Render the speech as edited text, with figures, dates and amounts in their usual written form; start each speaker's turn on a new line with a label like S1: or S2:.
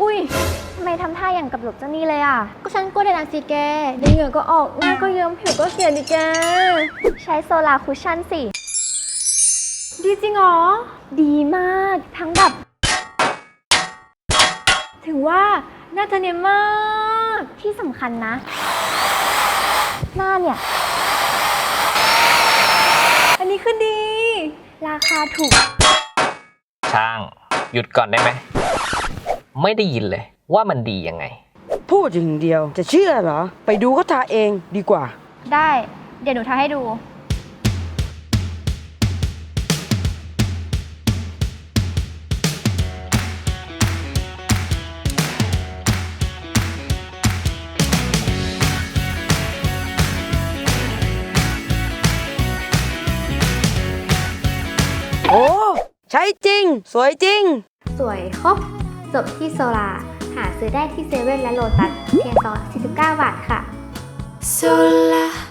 S1: อุ้ยทำไมทำท่าอย่างกับหลบเจ้านี่เลยอ่ะ
S2: ก็ฉันกลัวเดนสิแกเดี๋ยวเหงื่อก็ออกหน้าก็เยิ้มผิวก็เสียดิแก
S1: ใช้โซลาร์คุชชั่นสิ
S2: ดีจริงเหรอ
S1: ดีมากทั้งแบบ
S2: ถึงว่าหน้าเธอเนียนมาก
S1: ที่สำคัญนะ หน้าเนี่ย
S2: อันนี้คือดี
S1: ราคาถูก
S3: ช่าง หยุดก่อนได้ไหม ไม่ได้ยินเลยว่ามันดียังไง
S4: พูดอย่างเดียวจะเชื่อเหรอ ไปดูเขาทาเองดีกว่า
S1: ได้ เดี๋ยวหนูทาให้ดู
S4: โอ้ ใช้จริง สวยจริง
S2: สวยครบจบที่โซลาหาซื้อได้ที่เซเว่นและโลตัสเพียง49 บาทค่ะ
S5: Sola